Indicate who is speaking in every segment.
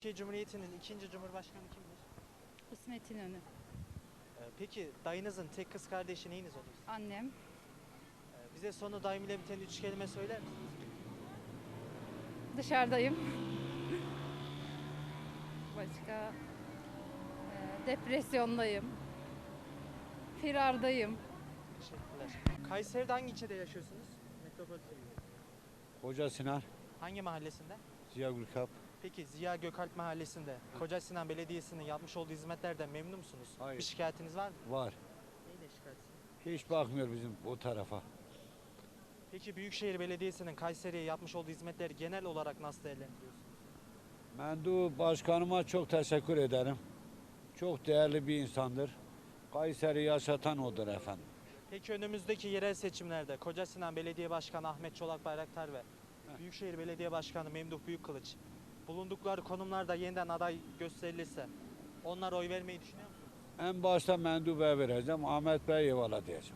Speaker 1: Türkiye Cumhuriyeti'nin ikinci Cumhurbaşkanı kimdir?
Speaker 2: İsmet İnönü.
Speaker 1: Peki dayınızın tek kız kardeşi neyiniz olur?
Speaker 2: Annem.
Speaker 1: Bize sonu daim ile biten üç kelime söyler misiniz?
Speaker 2: Dışarıdayım. Başka? Depresyondayım. Firardayım.
Speaker 1: Teşekkürler. Kayseri'de hangi ilçede yaşıyorsunuz? Metropol TV'de.
Speaker 3: Koca Sinan,
Speaker 1: Hangi mahallesinde?
Speaker 3: Ziya Gülkap.
Speaker 1: Peki Ziya Gökalp Mahallesi'nde Koca Sinan Belediyesi'nin yapmış olduğu hizmetlerden memnun musunuz?
Speaker 3: Hayır.
Speaker 1: Bir şikayetiniz var mı?
Speaker 3: Var.
Speaker 1: Neyle şikayetsiniz?
Speaker 3: Hiç bakmıyor bizim o tarafa.
Speaker 1: Peki Büyükşehir Belediyesi'nin Kayseri'ye yapmış olduğu hizmetleri genel olarak nasıl değerlendiriyorsunuz?
Speaker 3: Mendu Başkanıma çok teşekkür ederim. Çok değerli bir insandır. Kayseri yaşatan odur efendim.
Speaker 1: Peki önümüzdeki yerel seçimlerde Koca Sinan Belediye Başkanı Ahmet Çolak Bayraktar ve Büyükşehir Belediye Başkanı Memduh Büyükkılıç bulundukları konumlarda yeniden aday gösterilirse onlara oy vermeyi düşünüyor musunuz?
Speaker 3: En başta Mendu Bey'e vereceğim. Ahmet Bey eyvallah diyeceğim.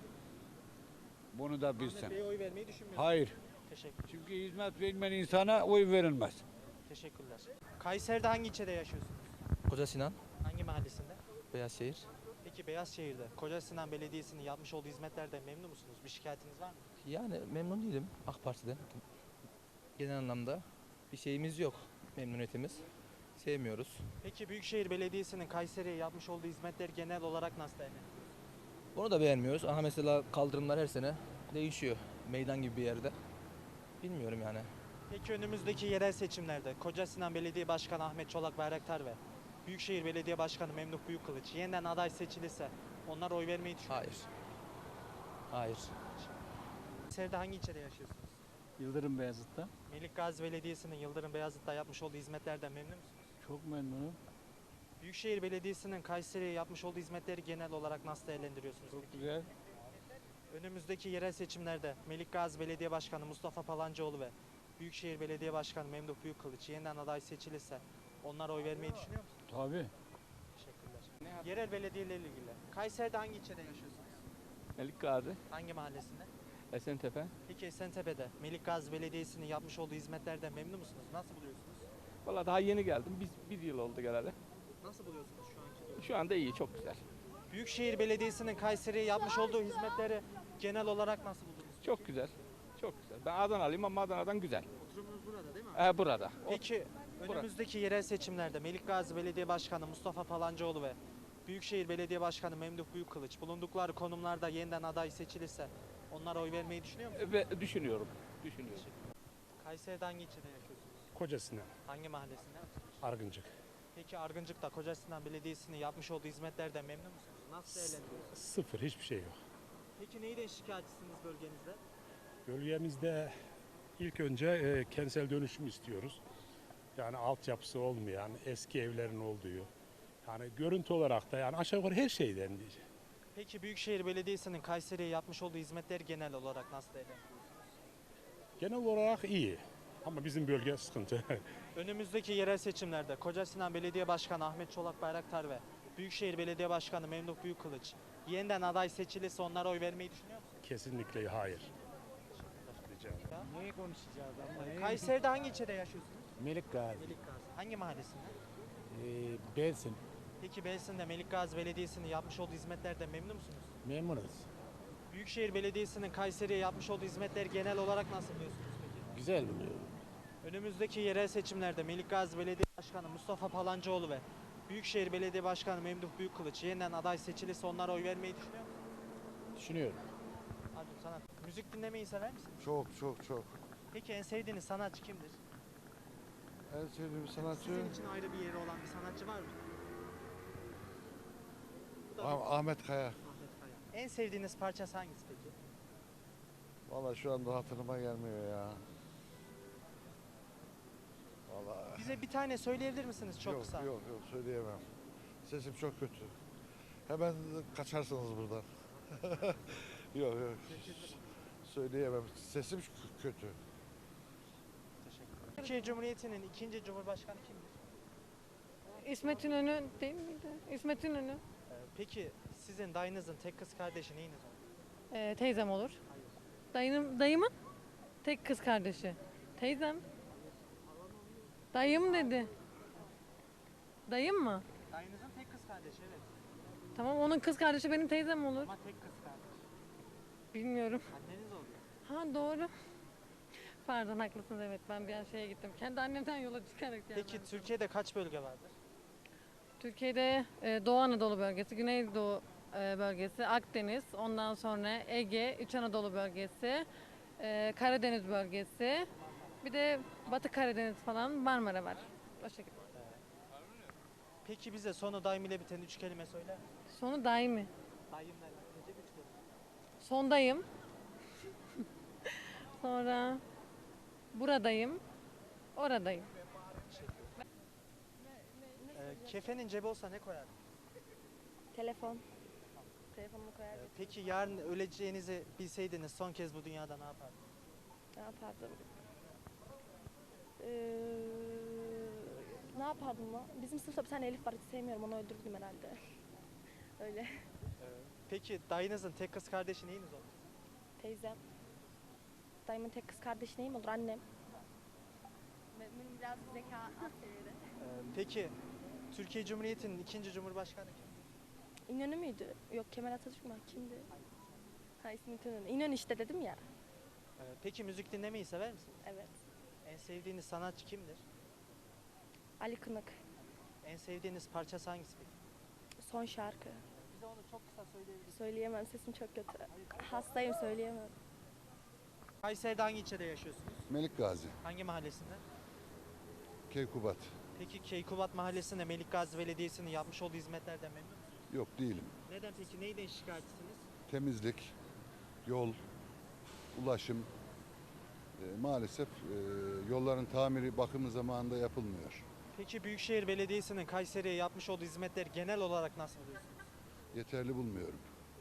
Speaker 3: Bunu da
Speaker 1: Ahmet
Speaker 3: bilsin.
Speaker 1: Bey'e oy vermeyi düşünmüyor musunuz?
Speaker 3: Hayır.
Speaker 1: Teşekkür.
Speaker 3: Çünkü hizmet vermeyen insana oy verilmez.
Speaker 1: Teşekkürler. Kayseri'de hangi ilçede yaşıyorsunuz?
Speaker 4: Koca Sinan,
Speaker 1: Hangi mahallesinde?
Speaker 4: Beyazşehir.
Speaker 1: Peki Beyazşehir'de Koca Sinan Belediyesi'nin yapmış olduğu hizmetlerden memnun musunuz? Bir şikayetiniz var mı?
Speaker 4: Yani memnun değilim AK Parti'den. Genel anlamda bir şeyimiz yok, memnuniyetimiz. Sevmiyoruz.
Speaker 1: Peki Büyükşehir Belediyesi'nin Kayseri'ye yapmış olduğu hizmetleri genel olarak nasıl değerlendiriyorsunuz?
Speaker 4: Onu da beğenmiyoruz. Aha mesela kaldırımlar her sene değişiyor. Meydan gibi bir yerde. Bilmiyorum yani.
Speaker 1: Peki önümüzdeki yerel seçimlerde Koca Sinan Belediye Başkanı Ahmet Çolak Bayraktar ve Büyükşehir Belediye Başkanı Memduh Büyükkılıç yeniden aday seçilirse onlara oy vermeyi düşünüyor
Speaker 4: Hayır.
Speaker 1: musunuz?
Speaker 4: Hayır.
Speaker 1: Kayseri'de hangi ilçede yaşıyorsunuz?
Speaker 5: Yıldırım Beyazıt'ta.
Speaker 1: Melik Gazi Belediyesi'nin Yıldırım Beyazıt'ta yapmış olduğu hizmetlerden memnun musunuz?
Speaker 5: Çok memnunum.
Speaker 1: Büyükşehir Belediyesi'nin Kayseri'ye yapmış olduğu hizmetleri genel olarak nasıl değerlendiriyorsunuz?
Speaker 5: Çok
Speaker 1: peki?
Speaker 5: güzel.
Speaker 1: Önümüzdeki yerel seçimlerde Melik Gazi Belediye Başkanı Mustafa Palancıoğlu ve Büyükşehir Belediye Başkanı Memduh Büyükkılıç yeniden aday seçilirse onlara oy vermeyi düşünüyor musunuz?
Speaker 5: Tabii.
Speaker 1: Teşekkürler. Yerel belediyelerle ilgili. Kayseri'de hangi ilçede yaşıyorsunuz?
Speaker 6: Melik Gazi,
Speaker 1: Hangi mahallesinde?
Speaker 6: Esentepe.
Speaker 1: Peki Esentepe'de Melik Gazi Belediyesi'nin yapmış olduğu hizmetlerden memnun musunuz? Nasıl buluyorsunuz?
Speaker 6: Valla daha yeni geldim. Bir yıl oldu geleli.
Speaker 1: Nasıl buluyorsunuz şu anki durumu?
Speaker 6: Şu anda iyi, çok güzel.
Speaker 1: Büyükşehir Belediyesi'nin Kayseri'ye yapmış olduğu hizmetleri genel olarak nasıl buldunuz?
Speaker 6: Çok güzel. Çok güzel. Ben Adanalıyım ama Adana'dan güzel.
Speaker 1: Oturumunuz burada değil mi?
Speaker 6: Burada.
Speaker 1: Peki önümüzdeki yerel seçimlerde Melik Gazi Belediye Başkanı Mustafa Palancıoğlu ve Büyükşehir Belediye Başkanı Memduh Büyükkılıç bulundukları konumlarda yeniden aday seçilirse onlara oy vermeyi düşünüyor musunuz?
Speaker 6: Ve düşünüyorum. Düşünüyorum.
Speaker 1: Kayseri'de hangi ilçede yaşıyorsunuz?
Speaker 7: Koca Sinan,
Speaker 1: Hangi mahallesinde?
Speaker 7: Argıncık.
Speaker 1: Peki Argıncık'ta Koca Sinan Belediyesi'nin yapmış olduğu hizmetlerden memnun musunuz? Nasıl değerlendiriyorsunuz?
Speaker 7: Sıfır, hiçbir şey yok.
Speaker 1: Peki neyden şikayetçisiniz bölgenizde?
Speaker 7: Bölgemizde ilk önce kentsel dönüşüm istiyoruz. Yani altyapısı olmayan, eski evlerin olduğu. Yani görüntü olarak da yani aşağı yukarı her şeyden diyeceğim.
Speaker 1: Peki Büyükşehir Belediyesi'nin Kayseri'ye yapmış olduğu hizmetleri genel olarak nasıl değerlendiriyorsunuz?
Speaker 7: Genel olarak iyi. Ama bizim bölge sıkıntı.
Speaker 1: Önümüzdeki yerel seçimlerde Koca Sinan Belediye Başkanı Ahmet Çolak Bayraktar ve Büyükşehir Belediye Başkanı Memduh Büyükkılıç yeniden aday seçilirse onlara oy vermeyi düşünüyor musunuz?
Speaker 7: Kesinlikle hayır. Rica ederim.
Speaker 5: Neyi konuşacağız ama?
Speaker 1: Kayseri'de hangi ilçede yaşıyorsunuz?
Speaker 5: Melik Gazi.
Speaker 1: Melik Gazi. Hangi mahallesinde?
Speaker 5: Belsin.
Speaker 1: Peki Belsin'de Melik Gazi Belediyesi'nin yapmış olduğu hizmetlerden memnun musunuz?
Speaker 5: Memnunuz.
Speaker 1: Büyükşehir Belediyesi'nin Kayseri'ye yapmış olduğu hizmetleri genel olarak nasıl buluyorsunuz peki?
Speaker 5: Güzel buluyorum.
Speaker 1: Önümüzdeki yerel seçimlerde Melik Gazi Belediye Başkanı Mustafa Palancıoğlu ve Büyükşehir Belediye Başkanı Memduh Büyükkılıç yeniden aday seçilirse onlara oy vermeyi düşünüyor musunuz?
Speaker 5: Düşünüyorum.
Speaker 1: Hadi sanat. Müzik dinlemeyi sever misiniz?
Speaker 8: Çok çok çok.
Speaker 1: Peki en sevdiğiniz sanatçı kimdir?
Speaker 8: En sevdiğim sanatçı
Speaker 1: Sizin için ayrı bir yeri olan bir sanatçı var mı? Bu da bir
Speaker 8: Ahmet Kaya.
Speaker 1: Ahmet Kaya. En sevdiğiniz parçası hangisi peki?
Speaker 8: Vallahi şu anda hatırıma gelmiyor ya. Vallahi
Speaker 1: Bize bir tane söyleyebilir misiniz çok
Speaker 8: yok,
Speaker 1: kısa?
Speaker 8: yok yok söyleyemem. Sesim çok kötü. Hemen kaçarsınız buradan. Yok yok. Söyleyemem. Sesim kötü.
Speaker 1: Teşekkürler. Türkiye Cumhuriyeti'nin ikinci Cumhurbaşkanı kimdir?
Speaker 9: İsmet İnönü değil miydi? İsmet İnönü.
Speaker 1: Peki sizin dayınızın tek kız kardeşi neyiniz olur?
Speaker 9: Teyzem olur.
Speaker 1: Hayır.
Speaker 9: Dayımın tek kız kardeşi. Teyzem. Dayım dedi. Dayım mı?
Speaker 1: Dayınızın tek kız kardeşi evet.
Speaker 9: Tamam, onun kız kardeşi benim teyzem olur.
Speaker 1: Ama tek kız kardeş.
Speaker 9: Bilmiyorum.
Speaker 1: Anneniz oluyor.
Speaker 9: Ha, doğru. Pardon, haklısınız, evet, ben bir an şeye gittim. Kendi annemden yola çıkarak yani.
Speaker 1: Peki Türkiye'de kaç bölge vardır?
Speaker 9: Türkiye'de Doğu Anadolu bölgesi, Güneydoğu bölgesi, Akdeniz, ondan sonra Ege, İç Anadolu bölgesi, Karadeniz bölgesi, bir de Batı Karadeniz falan, Marmara var. O şekilde.
Speaker 1: Peki bize sonu daim ile biten 3 kelime söyler misin?
Speaker 9: Sonu daimi.
Speaker 1: Daimle bitecek 3 kelime.
Speaker 9: Sondayım. Sonra buradayım. Oradayım.
Speaker 1: Kefenin cebi olsa ne koyardın?
Speaker 10: Telefon. Telefonumu koyardım.
Speaker 1: Peki yarın öleceğinizi bilseydiniz son kez bu dünyada ne yapardınız?
Speaker 10: Ne yapardım? Ne yapardım lan? Bizim sınıfta bir tane Elif var, hiç sevmiyorum, onu öldürdüm herhalde. Öyle.
Speaker 1: Peki dayınızın tek kız kardeşi neyiniz olur?
Speaker 10: Teyzem. Dayımın tek kız kardeşi neyim olur? Annem. Benim biraz zeka az seviyede.
Speaker 1: Peki Türkiye Cumhuriyeti'nin ikinci cumhurbaşkanı kim?
Speaker 10: İnönü müydü? Yok, Kemal Atatürk mü? Kimdi? Ha, ismi İnönü. İnönü işte dedim ya.
Speaker 1: Peki müzik dinlemeyi sever misiniz?
Speaker 10: Evet.
Speaker 1: En sevdiğiniz sanatçı kimdir?
Speaker 10: Ali Kınık.
Speaker 1: En sevdiğiniz parçası hangisi peki?
Speaker 10: Son şarkı.
Speaker 1: Bize onu çok kısa söyleyebilirsiniz.
Speaker 10: Söyleyemem, sesim çok kötü. Hastayım, söyleyemem.
Speaker 1: Kayseri'de hangi ilçede yaşıyorsunuz?
Speaker 8: Melik Gazi,
Speaker 1: Hangi mahallesinde?
Speaker 8: Keykubat.
Speaker 1: Peki Keykubat Mahallesi'nde Melik Gazi Belediyesi'nin yapmış olduğu hizmetlerden memnun musunuz?
Speaker 8: Yok değilim.
Speaker 1: Neden peki? Neyden şikayetçisiniz?
Speaker 8: Temizlik, yol, ulaşım. Maalesef yolların tamiri, bakımı zamanında yapılmıyor.
Speaker 1: Peki Büyükşehir Belediyesi'nin Kayseri'ye yapmış olduğu hizmetleri genel olarak nasıl buluyorsunuz?
Speaker 8: Yeterli bulmuyorum.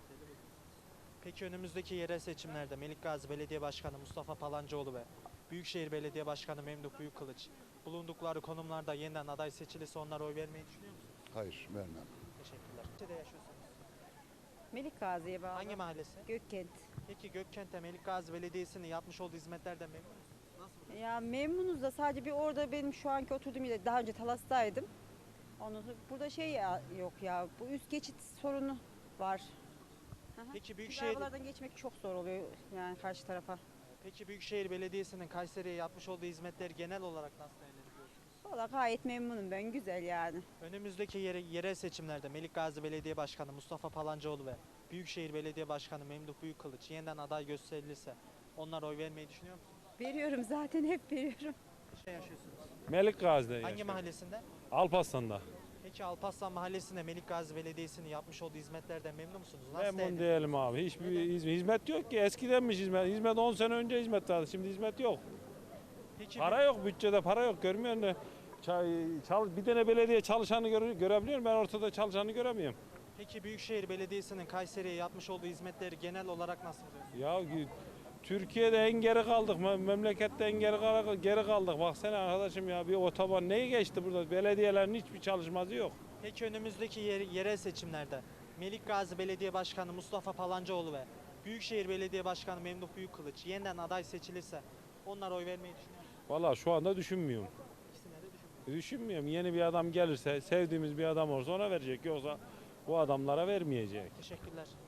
Speaker 1: Peki önümüzdeki yerel seçimlerde Melik Gazi Belediye Başkanı Mustafa Palancıoğlu ve Büyükşehir Belediye Başkanı Memduh Büyükkılıç bulundukları konumlarda yeniden aday seçilirse onlara oy vermeyi düşünüyor musunuz?
Speaker 8: Hayır, vermem.
Speaker 1: Teşekkürler. Nerede yaşıyorsunuz?
Speaker 11: Melik Gazi'ye bağlı.
Speaker 1: Hangi mahallesi?
Speaker 11: Gökkent.
Speaker 1: Peki Gökkent'te Melik Gazi Belediyesi'nin yapmış olduğu hizmetlerden memnun musunuz? Nasıl?
Speaker 11: Ya memnunuz da sadece bir orada benim şu anki oturduğum yerde daha önce Talas'taydım. Ondan sonra burada yok ya, bu üst geçit sorunu var. Hı hı.
Speaker 1: Peki
Speaker 11: Çünkü
Speaker 1: Büyükşehir
Speaker 11: arabalardan geçmek çok zor oluyor yani karşı tarafa.
Speaker 1: Peki Büyükşehir Belediyesi'nin Kayseri'ye yapmış olduğu hizmetleri genel olarak nasıl değerlendiriyorsunuz?
Speaker 11: Valla gayet memnunum ben, güzel yani.
Speaker 1: Önümüzdeki yerel seçimlerde Melik Gazi Belediye Başkanı Mustafa Palancıoğlu ve Büyükşehir Belediye Başkanı Memduh Büyükkılıç yeniden aday gösterilirse onlara oy vermeyi düşünüyor musunuz?
Speaker 11: Veriyorum zaten, hep veriyorum.
Speaker 1: Ne yaşıyorsunuz?
Speaker 12: Melik Gazi'de
Speaker 1: Hangi
Speaker 12: yaşıyorum.
Speaker 1: mahallesinde?
Speaker 12: Alparslan'da.
Speaker 1: Peki Alparslan Mahallesi'nde Melik Gazi Belediyesi'nin yapmış olduğu hizmetlerden memnun musunuz? Nasıl
Speaker 12: Memnun
Speaker 1: değerlendiriyorsunuz?
Speaker 12: değilim abi. Hiçbir hizmet yok ki. Eskidenmiş hizmet. Hizmet 10 sene önce hizmet vardı. Şimdi hizmet yok.
Speaker 1: Peki
Speaker 12: Para yok. Bütçede para yok. Görmüyor musun? Bir tane belediye çalışanı görebiliyorum. Ben ortada çalışanı göremiyorum.
Speaker 1: Peki Büyükşehir Belediyesi'nin Kayseri'ye yapmış olduğu hizmetleri genel olarak nasıl buluyorsunuz?
Speaker 12: Ya Türkiye'de en geri kaldık. Memlekette en geri kaldık. Baksana arkadaşım ya, bir otoban neyi geçti burada? Belediyelerin hiçbir çalışması yok.
Speaker 1: Peki önümüzdeki yerel seçimlerde Melik Gazi Belediye Başkanı Mustafa Palancıoğlu ve Büyükşehir Belediye Başkanı Memduh Büyükkılıç yeniden aday seçilirse onlara oy vermeyi düşünüyor musunuz?
Speaker 12: Vallahi şu anda düşünmüyorum.
Speaker 1: İkisine de düşünmüyorum.
Speaker 12: Düşünmüyorum. Yeni bir adam gelirse, sevdiğimiz bir adam olursa ona verecek. Yoksa bu adamlara vermeyecek.
Speaker 1: Teşekkürler.